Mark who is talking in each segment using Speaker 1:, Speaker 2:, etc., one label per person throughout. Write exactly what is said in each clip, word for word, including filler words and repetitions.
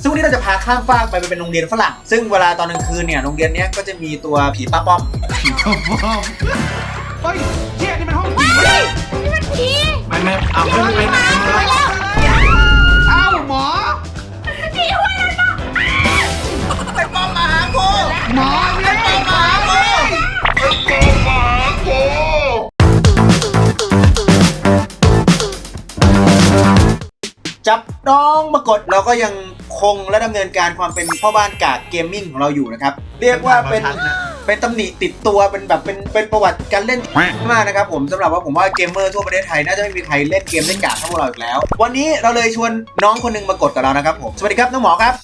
Speaker 1: ซึ่งวันนี้เราจะพาข้ามฟากไปเป็นโรงเรียนฝรั่งซึ่งเวลาตอนกลางคืนเนี่ยโรงเรียนนี้ก็จะมีตัวผีป้าป้อม
Speaker 2: ผีป้าป้อมเฮ้ยเชี่ยนี่มันห้องผี
Speaker 3: นี่มันผี
Speaker 4: ไม่ไม่เอาไม่ไม่ไม่
Speaker 3: ไปแล้ว
Speaker 2: เอ้าหมอ
Speaker 3: ผีหัวนั่นน่ะ
Speaker 1: ไปป้อมมาหากู
Speaker 2: หมอเนี่ย
Speaker 1: ป้อมมาหากูจับน้องมากดเราก็ยังคงและดำเนินการความเป็นพ่อบ้านกากเกมมิ่งของเราอยู่นะครับเรียกว่าเป็นเป็นตำหนิติดตัวเป็นแบบเป็นเป็นประวัติการเล่นมากนะครับผมสำหรับว่าผมว่าเกมเมอร์ทั่วประเทศไทยน่าจะไม่มีใครเล่นเกมเล่นกากเท่าพวกเราอีกแล้ววันนี้เราเลยชวนน้องคนนึงมากดกับเรานะครับผมสวัสดีครับน้องหมอครับ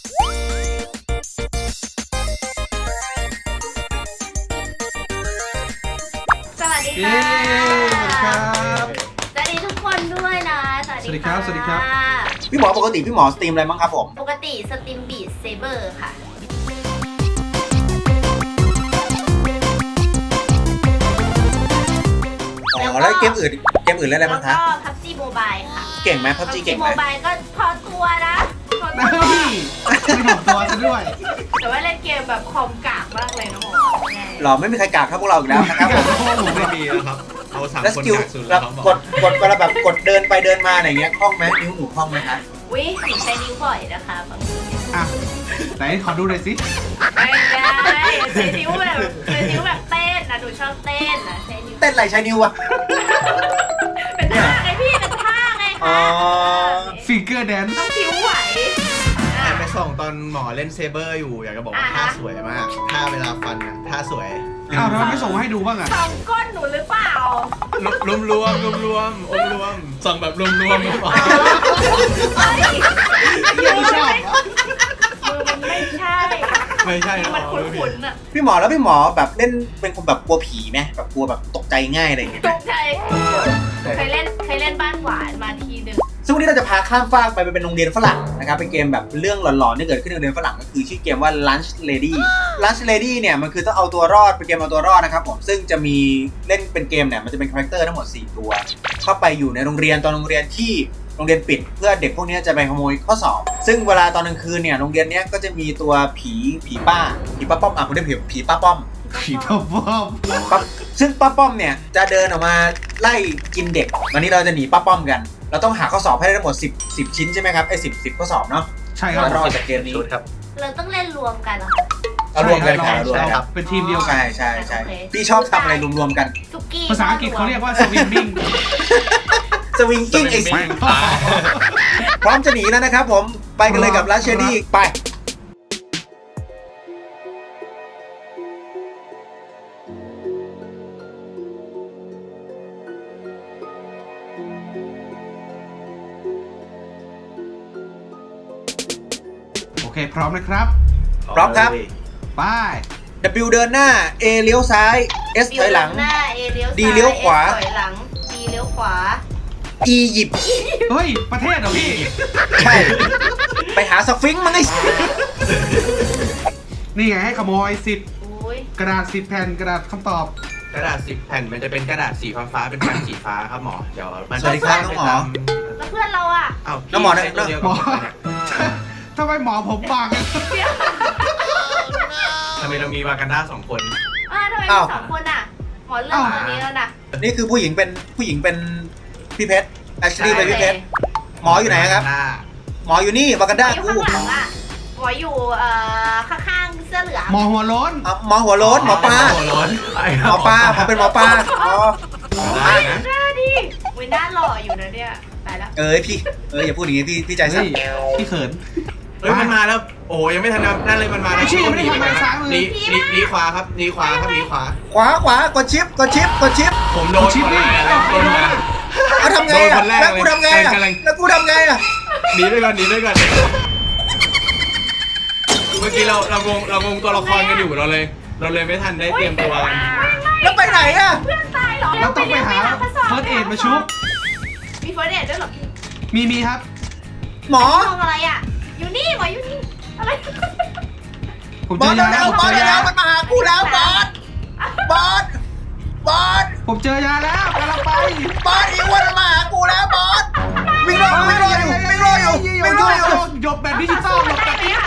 Speaker 3: สวัสดี
Speaker 2: เย้
Speaker 3: ค่ะ
Speaker 2: สวัสดีครับ
Speaker 3: สวัสดีทุกคนด้วยนะสวัส
Speaker 2: สวัสดี
Speaker 3: ดี
Speaker 2: ครับสวัสดีครับ
Speaker 1: พี่หมอปกติพี่หมอสตรีมอะไรบ้างครับผม
Speaker 3: ปกติสตรีมบีทเซเบอร์ค่ะ
Speaker 1: อ๋อแล้วเกมอื่นเกมอื่นเล่นอะไร
Speaker 3: แล้ว
Speaker 1: บ้างคะ
Speaker 3: ก็พับจีโมบายค่ะ
Speaker 1: เก่งไหมพับจีเก่งไห
Speaker 3: โม
Speaker 1: ม
Speaker 3: บายก็พอตัวนะพอตั
Speaker 2: เฮ้
Speaker 3: วย
Speaker 2: ไม่ถูกตัวซะด้วย
Speaker 3: แต่ว่าเล่นเกมแบบคอมกากมากเลยนะหมอ
Speaker 1: หรอไม่มีใครกากเท่าพวกเราอีกแล้วนะครับผม
Speaker 4: ผมไม่มีแล้วครับเอาสาม
Speaker 1: แล้ว
Speaker 4: ค
Speaker 1: ส
Speaker 4: น
Speaker 1: กิล
Speaker 4: จากสุด
Speaker 1: แบ
Speaker 4: แล้ว
Speaker 1: บ
Speaker 4: ครับ
Speaker 1: กดกดเวลาแบบกดเดินไปเดินมาอะไรเงี้ยคล่องไหมนิ้วหนูคล่องไหมคะ
Speaker 3: วิหนูใช้นิ้วบ่อยนะคะบางที
Speaker 2: อ่ะไหนขอดูหน่อยสิ
Speaker 3: ไม่ได้ใช้นิ้วแบบใช้นิ้วแบบเต้นนะหนูชอบเต้นนะใช้นิ้ว
Speaker 1: เต้นอะไรใช้นิ้วอะ
Speaker 3: เป็นท่าไงพี่เป็นท่าไง
Speaker 1: อ๋อ
Speaker 3: คะ
Speaker 2: ฟิงเกอร์แดนซ์
Speaker 3: ต้องผิวไหว
Speaker 4: แอบไปส่องตอนหมอเล่นเซเบอร์อยู่อยากจะบอกว่าท่าสวยมากท่าเวลาฟันอ่ะท่าสวย
Speaker 2: อ้าวทำไมไม่ส่งมาให้ดูบ้างอ่ะ
Speaker 3: สองก้นหนูหรือเปล่าร
Speaker 4: วมรวมรวมรวมอมรวมส่องแบบรวมรวมหมอ
Speaker 3: เฮ้ย
Speaker 2: ไม่ชอบ
Speaker 3: มือมันไม่ใช่
Speaker 4: ไม่ใช่
Speaker 3: มันคุ้นๆอ่ะ
Speaker 1: พี่หมอแล้วพี่หมอแบบเล่นเป็นคนแบบกลัวผีไหมแบบกลัวแบบตกใจง่ายอะไรอย่างเงี้ย
Speaker 3: ตกใจเคยเล่นเคยเล่นบ้านหวานมาทีหนึ่ง
Speaker 1: ซึ่งวันนี้เราจะพาข้ามฟากไปเป็นโรงเรียนฝรั่งนะครับเป็นเกมแบบเรื่องหลอนๆที่เกิดขึ้นในโรงเรียนฝรั่งก็คือชื่อเกมว่า Lunch Lady Lunch Lady เนี่ยมันคือต้องเอาตัวรอดเป็นเกมเอาตัวรอดนะครับผมซึ่งจะมีเล่นเป็นเกมเนี่ยมันจะเป็นคาแรคเตอร์ทั้งหมดสี่ตัวเข้าไปอยู่ในโรงเรียนตอนโรงเรียนที่โรงเรียนปิดเพื่อเด็กพวกนี้จะไปขโมยข้อสอบซึ่งเวลาตอนกลางคืนเนี่ยโรงเรียนเนี้ยก็จะมีตัวผีผีป้าผีป้าป้อมอ่ะผมเรียกผีผีป้าป้อม
Speaker 2: ผีป้าป้อม
Speaker 1: ป้าซึ่งป้าป้อมเนี่ยจะเดินออกมาไล่กินเด็กวันนี้เราจะหนีป้าป้อมกันเราต้องหาข้อสอบให้ได้ทั้งหมดสิบ สิบชิ้นใช่ไหมครับไอ้สิบ สิบข้อสอบเนาะ
Speaker 2: ใช่ครับ
Speaker 1: รอดจากเกมนี้
Speaker 4: ชุดครับ
Speaker 3: เราต้องเล่นรวมกันเหรอ
Speaker 1: เอารวมกันค่ะรวม
Speaker 2: ใช่
Speaker 1: กัน
Speaker 2: ครับเป็นทีมเดียวกัน
Speaker 1: ใช่ใช่ใช่พี่ชอบทำอะไรรวมๆกัน
Speaker 3: สุกี้
Speaker 2: ภาษาอังกฤษเขาเรียกว่าสวิมมิ่ง
Speaker 1: สวิงกิ้งไอ้สิพร้อมจะหนีแล้วนะครับผมไปกันเลยกับลัชเชอรี่ไป
Speaker 2: โอเคพร้อมนะครับ
Speaker 1: พร้อมครับ
Speaker 2: ไป
Speaker 1: W เดินหน้า A เลี้ยวซ้าย S ถอยหลัง
Speaker 3: หน้า A เลี้ยวซ้าย
Speaker 1: D เลี้ยวขวา
Speaker 3: ถอยหลัง D เลี้ยวขวา
Speaker 1: E หยิบ
Speaker 2: เฮ้ยประเทศเหรอพี่
Speaker 1: ใช่ไปหาสฟิงค์มั้งไอ้
Speaker 2: นี่ไงให้ขโมยสิบ
Speaker 3: อุ้ย
Speaker 2: กระดาษสิบแผ่นกระดาษคำตอบ
Speaker 4: กระดาษสิบแผ่นมันจะเป็นกระดาษสีฟ้าๆเป็นแผ่นสีฟ้าครับหมอเดี๋ยวมัน
Speaker 1: สวัสดีครับน้องหมอ
Speaker 3: แล้วเพื่อนเราอ่ะ
Speaker 4: อ้าว
Speaker 1: น้องหมอนะ
Speaker 4: ใช้ตัวเดียว
Speaker 2: หม
Speaker 4: กับ
Speaker 2: อ
Speaker 4: ผมเนี่ย
Speaker 2: ทำไมหมอผมบางอะ
Speaker 4: ทำไมเรามีวากันด้าสองคน
Speaker 3: อ่าทำไม
Speaker 1: อ้าว
Speaker 3: มีสองคนอ่ะ หมอเลือกตัวนี้แล้วนะ
Speaker 1: นี่คือผู้หญิงเป็นผู้หญิงเป็นพี่เพชรแอชลีย์เป็นพี่เพชรหมออยู่ไหนครับ หมออยู่นี่วากัน
Speaker 3: หม
Speaker 1: ด้า
Speaker 3: ออยู่
Speaker 1: กู
Speaker 3: ข้างหลังอ่ะ หมออยู่เอ่อข้างๆเสื้อเหลือง
Speaker 2: หมอหัวโล้น
Speaker 1: อ่ะหมอหัวโล้นหมอปลา
Speaker 4: หัวร้อน
Speaker 1: หมอปลาผมเป็นหมอปลาอ๋อ
Speaker 4: ได้นะ
Speaker 3: หน้าดิวิหน้าหล่ออยู่นะเนี่ยตายแล้ว
Speaker 1: เอ้ยพี่เอ้ยอย่าพูดอย่างงี้พี่พี่ใจสั่
Speaker 2: เฮ้
Speaker 1: น
Speaker 2: ยพี่เขิน
Speaker 4: เฮ้ยมันมาแล้วโอ้ยังไม่ทันนั่นเลยมันมาแล้ว
Speaker 2: ไม่ใช่ไม่ได้ทำอะไรซ้ายมือ
Speaker 4: หนีหนีหนีขวาครับหนีขวาครับหนีขวา
Speaker 1: ขวาขวากดชิปกดชิปกดชิป
Speaker 4: ผมโดน
Speaker 2: ชิป
Speaker 4: คนแร
Speaker 2: นี่
Speaker 4: กแล้วโดนมา
Speaker 1: เอาทำไง
Speaker 4: โดน
Speaker 1: อ่ะ
Speaker 4: คนแรก
Speaker 1: แล้วกูทำไงอ่ะ
Speaker 4: กำลัง
Speaker 1: แล้วกูทำไงอ่ะ
Speaker 4: หนีด้วยกันหนีด้วยกันเมื่อกี้เราเรางงเรางงตัวละครกันอยู่เราเลย เราเลยไม่ทันได้เตรียมตัวกัน
Speaker 1: แล้วไปไหนอ่ะ
Speaker 3: เพื่อนตายเหรอ
Speaker 2: เราต้องไปหาเฟิร์สเอดมาชุบ
Speaker 3: มีเฟิร์สเอดด้วยเหรอพี่
Speaker 2: มีมีครับ
Speaker 1: หมอ
Speaker 3: มองอะไรอ่ะ อยู่นี่หมออยู่นี่ อะไร
Speaker 2: ผม
Speaker 1: บ
Speaker 2: เจ
Speaker 1: อ
Speaker 2: อ
Speaker 1: ส
Speaker 2: ยา
Speaker 1: เร็ว
Speaker 2: ผม
Speaker 1: ๆบอ
Speaker 2: เจ
Speaker 1: ส
Speaker 2: อยา
Speaker 1: เร็วๆมันมาหากูแล้วบอสบอสบอส
Speaker 2: ผมเจอยาแล้วกำลังไป
Speaker 1: บอสอีอ้วนมันมาหากูแล้วบอสวิ่งรอวิ่งรออยู่วิ่งรออยู่วิ่งรออยู่
Speaker 2: หยบแบบดิจิตอลหยบแบบดิจิ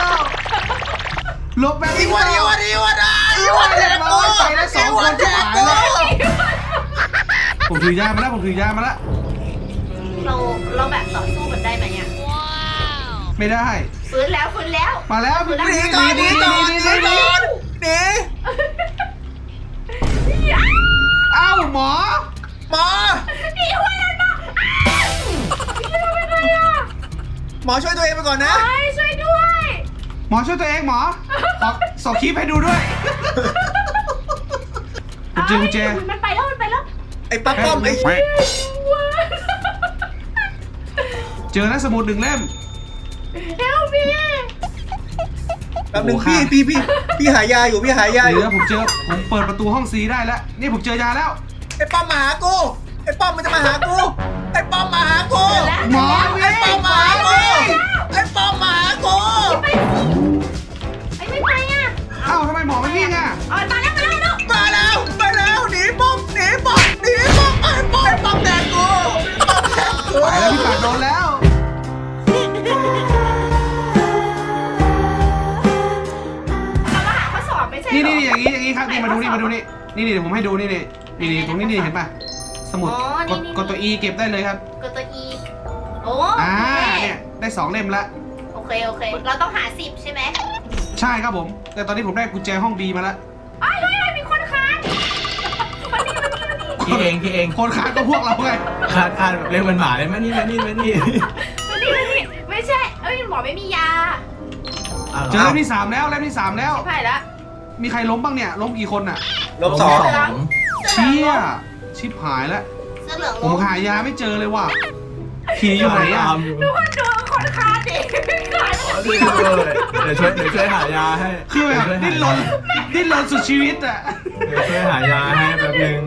Speaker 2: หลบแบบ
Speaker 1: อี
Speaker 2: นี้
Speaker 1: วันอีวันอีวันอ่ะ
Speaker 2: อีวันเรียบร้อยไปแล้วสองคนจะหายแล้วผมถือยามาแล้วผมถือยามาแล้ว
Speaker 3: เราเราแบบต่อสู้กันได้ไหมเนี่ย
Speaker 2: ไม่ได้
Speaker 3: ฟื้นแล้วฟื้นแล้ว
Speaker 2: มาแล้วพี่
Speaker 1: หนีก่อนหนีก่อนหนีก่อนหนี
Speaker 2: เอ้าหมอ
Speaker 1: หมอ
Speaker 3: นี่ช่วยกันมาช่วยเป็นไรอ่ะ
Speaker 1: หมอช่วยตัวเองไปก่อนนะ
Speaker 3: เฮ้ยช่วยด้วย
Speaker 2: หมอช่วยตัวเองหมอขอส่งคลิปให้ดูด้วยกุญแจกุญแจ
Speaker 3: มันไปแล้วมันไปแล้ว
Speaker 1: ไอ้ป้าป้อมไอ้
Speaker 2: เจอแล้วสมุดหนึ่งเล่ม
Speaker 3: เฮลพี่
Speaker 1: แป๊บนึง
Speaker 2: โอ้
Speaker 1: พี่
Speaker 2: ค่ะ
Speaker 1: พี่พี่พี่หายาอยู่พี่หายาอ
Speaker 2: เดี๋
Speaker 1: ยู่
Speaker 2: ยวผมเจอผมเปิดประตูห้องซีได้แล้วนี่ผมเจอยาแล้ว
Speaker 1: ไอ้ป้อมมาหากูไอ้ป้อมมันจะมาหากูไอ้ป้อมมาหากู
Speaker 2: หมอ
Speaker 1: ไอ้ป้อมมาหากูไอ้ป้อมมาหากู
Speaker 3: ไอ้ไม่ไปอ่ะ
Speaker 2: เอ้าทำไมหมอไม่วิ่งอ่ะ
Speaker 3: เอามาแล้วมาแล้ว
Speaker 1: มาแล้วมาแล้วหนีป้อมหนีป้อมหนีป้อมไอ้ป้อมไอ้ป้อมแดกกูป้อมแดกกู
Speaker 2: ไปแล้วพี่ปากโดนแล้ว
Speaker 3: เรามาหาข้อสอบไม่ใช่
Speaker 2: นี่
Speaker 3: เหร
Speaker 2: นี่
Speaker 3: อ
Speaker 2: อย่างนี้อย่างนี้ครับนี่มาดูนี่มาดูนี่นี่นี่เดี๋ยวผมให้ดูนี่นี่นี่นี่ตรงนี้นี่เห็นป่ะสมุด
Speaker 3: อ๋อก นี่
Speaker 2: ด
Speaker 3: นี่
Speaker 2: กดตัว E เก็บได้เลยครับ
Speaker 3: กดตัว E โอ้
Speaker 2: อ่า
Speaker 3: โอเค
Speaker 2: เนี่ยได้สองเล่มละ
Speaker 3: โอเคโอเค เราต้องหาสิบใช่ไหม
Speaker 2: ใช่ครับผม แต่ตอนนี้ผมได้กุญแจห้อง B มาแล้ว
Speaker 3: เฮ้ยเฮ้ยเฮ้ยมีคนค้านมานี่มานี่มานี่
Speaker 4: พี่เองพี่เอง
Speaker 2: คนขาดก็พวกเราไง
Speaker 4: คาดคาดแบบเรียกมันหมาเลยมานี่มานี่มานี่
Speaker 3: มานี่มานี่ไม่ใช่เอ้ยหมอไม่มียา
Speaker 4: เอาหร
Speaker 2: เจอเล่มที่สามแล้วเล่มที่สามแล้ว
Speaker 3: ใช่ละ
Speaker 2: มีใครล้มบ้างเนี่ยล้มกี่คนอ่ะ
Speaker 1: ลบสอง
Speaker 4: สอง
Speaker 2: เชี่ยชิบหายแล้ว
Speaker 3: เสื้อเหลือง
Speaker 2: ผมหายาไม่เจอเลยว่ะผีอยู่ไหนอ่ะ
Speaker 4: ตามอยู่
Speaker 3: ทุกคนดูคนค้านดิค้าน
Speaker 4: เดี๋ยวช่วยเดี๋ยวช่วยหายาให้
Speaker 2: คือแบบดิ้นรนดิ้นรนสุดชีวิตอ่ะ
Speaker 4: เดี๋ยวช่วยหายาให้แป๊บนึง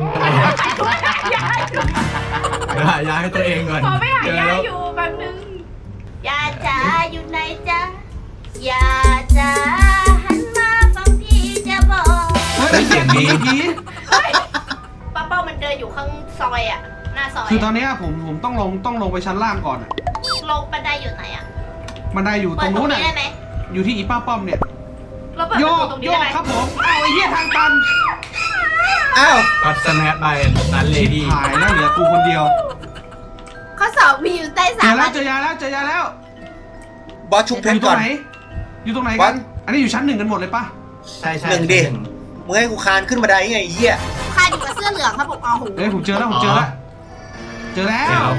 Speaker 4: เดี๋ยวหายาให้ตัวเองก่อน
Speaker 3: หมอไม่หายา
Speaker 4: เจอแล้ว
Speaker 3: อยู่แป๊บนึงยาจ๋าอยู่ไหนจ๊ะยาจ๋าหันมาฟังพี่จะบอก
Speaker 2: เฮ้ยเสียงดีผี
Speaker 3: เฮ้ยป้าเป้ามันเดินอยู่ข้างซอยอ่ะหน้าซอย
Speaker 2: คือตอนเนี้ยผมผมต้องลงต้องลงไปชั้นล่างก่อนอ่ะ
Speaker 3: ลงบันไดอยู่ไหนอ่ะ
Speaker 2: บันไดอยู่
Speaker 3: เปิ
Speaker 2: ตร
Speaker 3: ด
Speaker 2: ง
Speaker 3: ตรง
Speaker 2: นู้น
Speaker 3: นี้
Speaker 2: อ่ะ
Speaker 3: ได้ไหม
Speaker 2: อยู่ที่อีป้าป้อมเนี่ย
Speaker 3: เราเปิด
Speaker 2: โย
Speaker 3: ประตู
Speaker 2: ก
Speaker 3: ตรง
Speaker 2: โย
Speaker 3: นี้ได้
Speaker 2: ก
Speaker 3: ไหม
Speaker 2: ครับผมเอาไอ้เหี้ยทางตัน
Speaker 1: อ้าว
Speaker 4: ก็สแนปไปนันเล
Speaker 2: ชิบ
Speaker 4: ดี้
Speaker 2: หายแล้วเหลือกูคนเดียว
Speaker 3: ข้อสอบมีอยู่ใต้
Speaker 2: เจ
Speaker 3: สา
Speaker 2: อ
Speaker 3: ม
Speaker 2: แล้วเจอยาแล้วเจอยาแล้ว
Speaker 1: บอสชุบเพ
Speaker 2: อ
Speaker 1: ชร
Speaker 2: ยู่ตร
Speaker 1: ก่อง น
Speaker 2: ไหน อยู่ตรงไหน
Speaker 1: วั
Speaker 2: กั
Speaker 1: ด
Speaker 2: น อันนี้อยู่ชั้นหนึ่งกันหมดเลยปะ
Speaker 4: ใช่ใช่
Speaker 1: หนึ่งดิ มึงให้กูคานขึ้นบันไดยังไงไอ้เหี้ย
Speaker 3: ค่าอยู่กับเสื้อเหลืองครับผมอ๋อโห
Speaker 2: เอ้ยผมเจอแล้วผมเจอแล้ว เจอแล้
Speaker 4: เดี๋ยว ว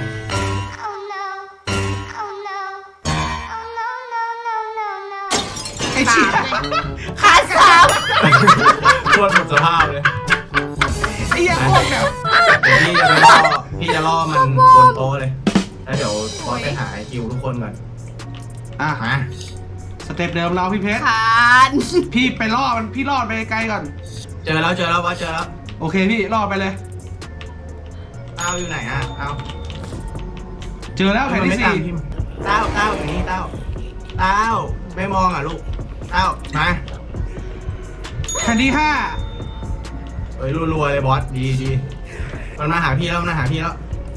Speaker 2: ไอ้เชี่ย
Speaker 3: ขาสาม
Speaker 4: โคตรหมดสภาพเลย
Speaker 2: ไอ้เหี้ยโคตรแบบ
Speaker 4: เดี๋ยวพี่จะไปล่อพี่จะล่อมันบนโต๊ะเลย แล้วเดี๋ยวพอไปหาคิวทุกคนก่อน
Speaker 2: อ่ะ
Speaker 4: มา
Speaker 2: สเต็ปเดิมเราพี่เพชร
Speaker 3: ขาน
Speaker 2: พี่ไปล่อมันพี่ล่อไปไกลก่อน
Speaker 4: เจอแล้วเจอแล้วว่าเจอแล้ว
Speaker 2: โอเคพี่ล่อไปเลย
Speaker 4: เต้าอยู่ไหนอ่ะเต้า
Speaker 2: เจอแล้วแผ่นที่สี่
Speaker 4: เต้าเต้าอย่างนี้เต้าเต้าไม่มองอ่ะลูกเต้ามา
Speaker 2: แผ่นที่ห้า
Speaker 4: เฮ้ยรัวๆเลยบอสดีดีมันมาหาพี่แล้วมันมาหาพี่แล้ว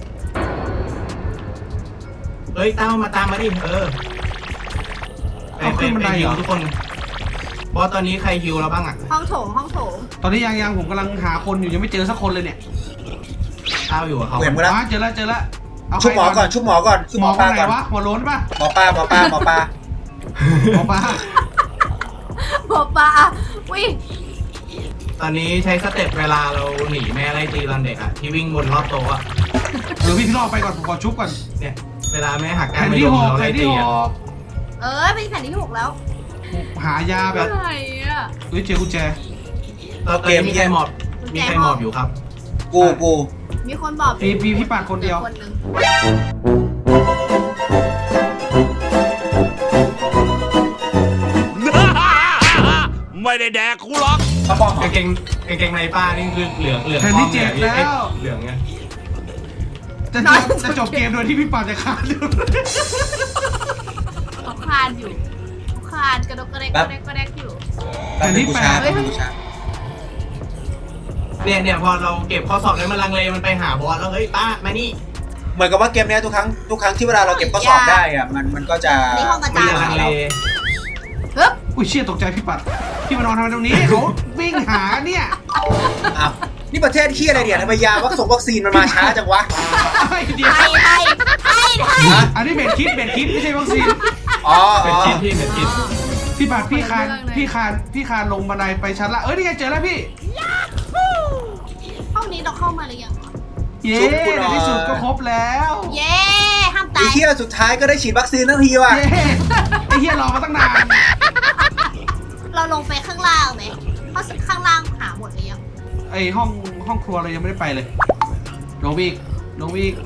Speaker 4: เฮ้ยเต้ามาตามมาดิเออไปไปไปฮิวทุกคนบอสตอนนี้ใครฮิวเราบ้างอ่ะ
Speaker 3: ห้องโถงห้องโถง
Speaker 2: ตอนนี้ยังยังผมกำลังหาคนอยู่ยังไม่เจอสักคนเลยเนี่ย
Speaker 4: เต้าอยู่กับเขา
Speaker 1: กูเห็นมึงแล้ว
Speaker 2: อ๋อเจอแล้วเจอแล้วเอา
Speaker 1: ชุบหมอก่อนชุบหมอก่อนชุบ
Speaker 2: ห
Speaker 1: ห
Speaker 2: ม
Speaker 1: ม
Speaker 2: อ
Speaker 1: อ
Speaker 2: ค
Speaker 1: ปลาน
Speaker 2: ไหน
Speaker 1: ก่อน
Speaker 2: วะหมอโล้นปะ
Speaker 1: หมอปลาหมอปลาหมอปลา
Speaker 2: หมอปลา
Speaker 3: บอกปลาวิ่ง
Speaker 4: ตอนนี้ใช้สเต็ปเวลาเราหนีแม่ไล่ตีตอนเด็กอ่ะที่วิ่งบนรอบโต๊ะอ่ะ
Speaker 2: เดี๋ยวพี่ล่อไปก่อนผมขอชุบก่อน
Speaker 4: เนี่ยเวลาแม่หักกา
Speaker 2: แผ่
Speaker 4: ร
Speaker 2: น
Speaker 4: ไม่
Speaker 2: ที่
Speaker 4: ล
Speaker 2: ห
Speaker 4: ง
Speaker 2: ก
Speaker 4: เรา
Speaker 2: แผ่
Speaker 4: ไล่
Speaker 2: นที่
Speaker 4: ตี
Speaker 2: ห
Speaker 4: อ่ะ
Speaker 2: ก
Speaker 3: เออเป็นแผ่นที่หกแล้ว
Speaker 2: หายาแบบ
Speaker 3: อะไรอ่ะ
Speaker 2: เฮ้ยเจอกุญแจ
Speaker 4: ตอนนี้มีใครหมอบมีใครหมอบอยู่ครับ
Speaker 1: กูกู
Speaker 3: มีคนบอก
Speaker 2: มีมีพี่ปาดคนเดียว
Speaker 3: คนหนึ่ง
Speaker 5: ไม่ได้แดกกูหรอก
Speaker 1: ป้าป้อม
Speaker 4: กางเกงกางเกงในป้านี่คือเหลืองเหลือง
Speaker 2: แผ่นที่เจ็ด
Speaker 4: ทองนี่ย
Speaker 2: แล้ว
Speaker 4: เหลืองไง
Speaker 2: จะจบจะจบเกมโดยที่พี่ปาดจะขาด
Speaker 3: เขาคลานอยู่เขาคลานกระดกกระเดกกระเดกกระเดกอยู่
Speaker 1: แป๊บนึงกูชาร์จ
Speaker 3: เฮ้ย
Speaker 1: กูชาร์จ
Speaker 4: เนี่ยเนี่ยพอเราเก็บข้อสอบแล้วมันลังเลมันไปหาบอสแล้วเฮ้ยป้ามานี่
Speaker 1: เหมือนกับว่าเกมเนี้ยทุกครั้งทุกครั้งที่เวลาเราเก็บข้อสอบได้อะมันมันก็จะ
Speaker 3: นี่ห้องอา
Speaker 4: มั
Speaker 3: จาน รย์
Speaker 4: จะลังเล
Speaker 3: ฮึบ
Speaker 2: อุ้ยเชี่ยตกใจพี่ปัดพี่มานอนทำไมตรงนี้เขาวิ่งหาเนี่ย
Speaker 1: อ้าวนี่ประเทศที่อะไรเนี่ยทำไมยาวัคซีนวัคซีนมันมาช้าจังวะ
Speaker 2: ไอ้เดียว
Speaker 3: ไทยไทยไทยไทย
Speaker 1: ฮะ
Speaker 2: อันนี้เบ็ดคิดเบ็ดคิดไม่ใช่วัคซีน
Speaker 1: อ๋อ
Speaker 4: เป็นคิดพี่เป็นคิด
Speaker 2: พี่ปัดพี่คานพี่คานพี่คานลงบันไดไปชั้นละเอ้ยนี่ไงเจอแล้วพี่
Speaker 3: ห้องนี้เราเข้ามาหรือยัง
Speaker 2: เย้ในที่สุดก็ครบแล้ว
Speaker 3: เย้ห้าม
Speaker 1: ไอ้
Speaker 3: ตาย
Speaker 1: เที่ยสุดท้ายก็ได้ฉีดวัคซีนทั้งทีว่ะ
Speaker 2: เย้ไอ้เหี้ยรอมาตั้งนาน
Speaker 3: เราลงไปข้างล่างไหมเพราะข้างล่างหาหมดหรือยัง
Speaker 2: ไอห้องห้องครัวเรายังไม่ได้ไปเลยลงไปอีกลงไปอีก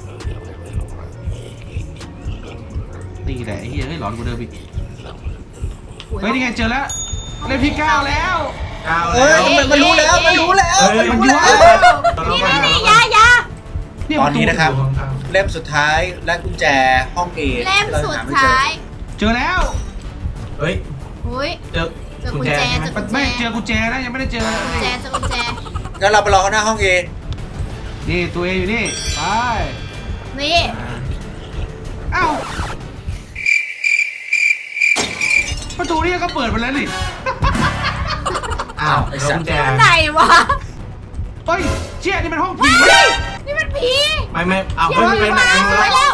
Speaker 2: นี่แหละไอ้เหี้ยเฮ้ยหลอนกว่าเดิมอีกเฮ้ยนี่ไงเจอแล้วเลขที่เก้าแล้ว
Speaker 4: เอา
Speaker 1: เอ้
Speaker 4: แล้
Speaker 1: ยว มันมันรู้แล้วมันรู้แล้ว
Speaker 4: เอ้ย
Speaker 1: มัน
Speaker 2: มัน
Speaker 1: รู้
Speaker 2: รู้
Speaker 1: แล้ว
Speaker 3: นี่นี่นี่ยายา
Speaker 1: ตอนนี้นะครับ เล่มสุดท้ายและกุญแจห้องเอ
Speaker 3: เล่มสุดท้าย
Speaker 2: เจอแล้ว
Speaker 4: เฮ้ย
Speaker 3: อุ้ย
Speaker 4: เจอ
Speaker 3: เจอกุญแจเจอกุญแจ
Speaker 2: ไม่เจอกุญแจนะยังไม่ได้เจอ
Speaker 3: กุญแจเจอกุญแจ
Speaker 1: งั้นเราไปรอเขาหน้าห้องเอ
Speaker 2: นี่ตัวเองอยู่นี่ไป
Speaker 3: นี่
Speaker 2: เอ้าประตูนี่ก็เปิดไปแล้วนี่
Speaker 4: อ้าวแล้วกุญแจ
Speaker 3: ไหนวะ
Speaker 2: เฮ้ยเชี่ยนี่มันห้องผี
Speaker 3: เฮ้ยนี่มันผี
Speaker 4: ไม่ไม่อ้าวเฮ้ยไปไหน
Speaker 3: ไป
Speaker 4: ไป
Speaker 3: แล้ว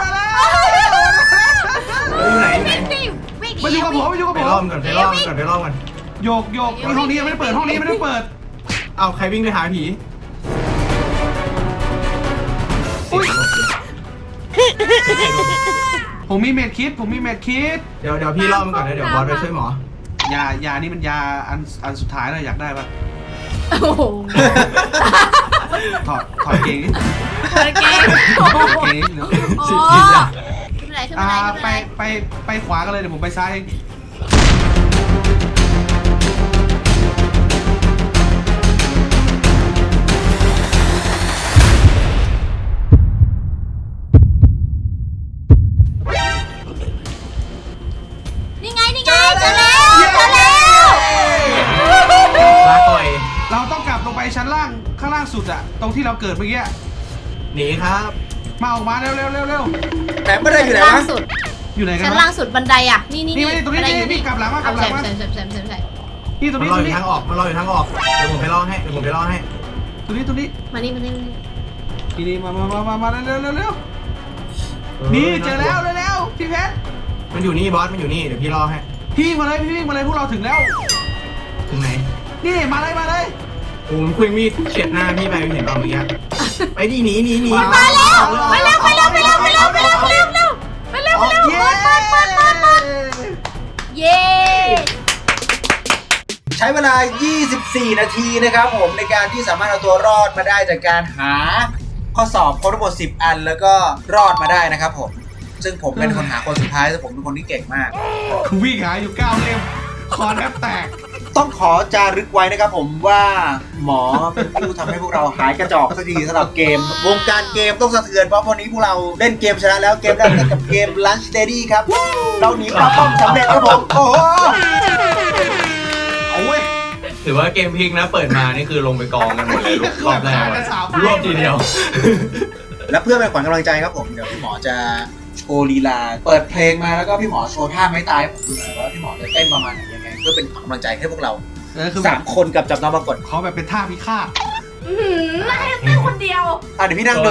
Speaker 4: อยู่ไหนอยู่ไหน
Speaker 3: วิ่งดิวิ่ง
Speaker 2: มาอยู่กับผมมาอยู่กับ
Speaker 4: ไป
Speaker 2: ผม
Speaker 4: รอบก่อนไปรอบก่อนไปรอบก่อน
Speaker 2: โยกโยกนี่ห้องนี้ยังไม่ได้เปิดห้องนี้ยังไม่ได้เปิด
Speaker 4: เอาใครวิ่งไปหาผี
Speaker 2: อุ้ยผมมีเม็ดคิดผมมีเม็ดคิด
Speaker 4: เดี๋ยวเดี๋ยวพี่รอบมันก่อนนะเดี๋ยวบอสไปช่วยหมอย
Speaker 2: ายานี่มันยาอันอันสุดท้ายเลยอยากได้ปะ
Speaker 3: โอ้โห
Speaker 2: ถอดถอดเกงดิ
Speaker 3: เปิดเกม
Speaker 2: ถอดเกงเดี๋ยว
Speaker 3: โอ้
Speaker 4: สิบกินอะ
Speaker 3: ขึ้นไปไหนขึ้น
Speaker 2: อ่า
Speaker 3: ไปไหน
Speaker 2: ไปไปไปขวากันเลยเดี๋ยวผมไปซ้ายเอง
Speaker 3: นี่ไงนี่ไงเจอแล้วเจอแล้ว
Speaker 4: ลาก่อย
Speaker 2: เราต้องกลับลงไปชั้นล่างข้างล่างสุดอะตรงที่เราเกิดเมื่อกี้
Speaker 4: หนีครับ
Speaker 2: มาออกมาเร็วเร็วเร็วเร็ว
Speaker 1: แต่ไม่ได้อยู่ไหน
Speaker 3: ล่าง
Speaker 1: วะ
Speaker 3: สุด
Speaker 2: อยู่ไหนกัน
Speaker 3: ชั้น
Speaker 2: วะ
Speaker 3: ล่างสุดบันไดอ่ะนี่นี่
Speaker 2: นี่ไม่ได้ตรงนี้
Speaker 3: บัได
Speaker 2: นี่นี่กลับหลังมากลับหลังมา
Speaker 3: ใช่ใช่ใช่ใช่ใช่
Speaker 2: นี่ตรง
Speaker 4: มัน
Speaker 2: นี้
Speaker 4: รอ
Speaker 2: ตร
Speaker 4: อง ยู่
Speaker 2: นี้
Speaker 4: ทางออกมันรออยู่ทางออกเดี๋ยวผมไปรอให้เดี๋ยวผมไปรอให้
Speaker 2: ตรงนี้ตรงนี้
Speaker 3: มานี่มานี่มานี่
Speaker 2: นี่นี่มามามามามาเร็วเร็วเร็วนี่เจอแล้วเร็วเร็วพี่เพชร
Speaker 4: มันอยู่นี่บอสมันอยู่นี่เดี๋ยวพี่รอให้
Speaker 2: พี่วิ่งมาเลยพี่วิ่งมาเลยพวกเราถึงแล้ว
Speaker 4: ถึงไหน
Speaker 2: นี่มาเลยมาเลย
Speaker 4: โอ้มันคุยมีดเฉียดหน้าพี่ไปเห็นเปล่าเมื่อกี้ไปดิหนีหนีหนี
Speaker 3: มาแล้วไปเร็วไปเร็วไปเร็วไปเร็วไปเร็วไปเร็วไปเร็วไปเร็ว
Speaker 2: เย้
Speaker 3: เปิดเปิดเปิดเปิดเย้
Speaker 1: ใช้เวลา ยี่สิบสี่ นาทีนะครับผมในการที่สามารถเอาตัวรอดมาได้จากการหาข้อสอบครบทั้งหมดสิบอันแล้วก็รอดมาได้นะครับผมซึ่งผมเป็นคนหาคนสุดท้ายแต่ผมเป็นคนที่เก่งมาก
Speaker 2: คือวิ่งหาอยู่เก้าเล่มคอแทบแตก
Speaker 1: ต้องขอจารึกไว้นะครับผมว่าหมอเป็นผู้ทำให้พวกเราหายกระจอกสักทีสำหรับเกม วงการเกมต้องสะเทือนเพราะวันนี้พวกเราเล่นเกมชนะแล้วเกมแรกกับเกม Lunch Lady ครับเราหนีปลาป้อมสำเร็จครับผมโอ้โหเอาเว้ย
Speaker 4: ถือว่าเกมพลิกนะเปิดมานี่คือลงไปกองกันหมดเลยรอบแรกรอบทีเดียว
Speaker 1: และเพื่อเป็นขวัญกำลังใจครับผมเดี๋ยวพี่หมอจะโชว์ลีลาเปิดเพลงมาแล้วก็พี่หมอโชว์ท่าไม้ตายให้ผมดูหน่อยว่าพี่หมอจะเต้นประมาณไหนยังไงเพื่อเป็นขวัญกำลังใจให้พวกเรา
Speaker 2: เออคือ
Speaker 1: สามคนกับจับน้องมากด
Speaker 2: ขอแบบเป็นท่าพิฆาต
Speaker 3: อื้อหือให้เต้นคนเดียว
Speaker 1: อ่ะเดี๋ยวพี่นั่งดู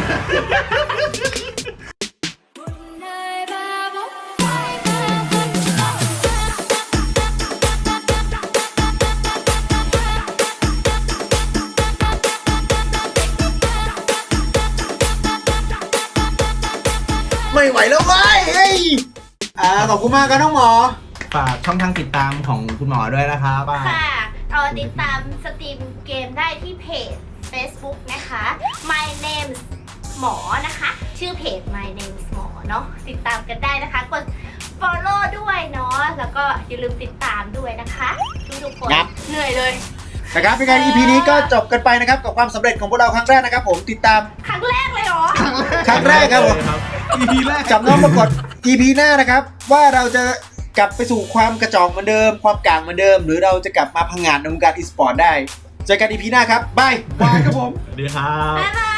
Speaker 1: ไม่ไหวแล้วเว้ยเฮ้ยอ่าขอบคุณมากครับน้องหมอ
Speaker 4: ฝากช่องทางติดตามของคุณหมอด้วยนะครับป้า
Speaker 3: ค่ะเอาติดตามสตรีมเกมได้ที่เพจ Facebook นะคะ My Name หมอนะคะ ชื่อเพจ My Name หมอเนาะติดตามกันได้นะคะ กด follow ด้วยเนาะแล้วก็อย่าลืมติดตามด้วยนะคะทุกๆคน
Speaker 1: ครับ
Speaker 3: เหนื่อยเลย
Speaker 1: นะครับเป็นไง อี พี นี้ก็จบกันไปนะครับกับความสำเร็จของพวกเราครั้งแรกนะครับผมติดตาม
Speaker 3: ครั้งแรกเลยเหรอ
Speaker 1: ครั้งแรกครับผม
Speaker 2: อีพีแรก
Speaker 1: จับน้องมากด อี พี หน้านะครับว่าเราจะกลับไปสู่ความกระจอกเหมือนเดิม ความกลางเหมือนเดิม หรือเราจะกลับมาพังงานในวงการอีสปอร์ตได้เจอกัน อี พี หน้าครับบาย
Speaker 2: บายครับผม
Speaker 4: สวัสดีครับ
Speaker 3: บ๊ายบาย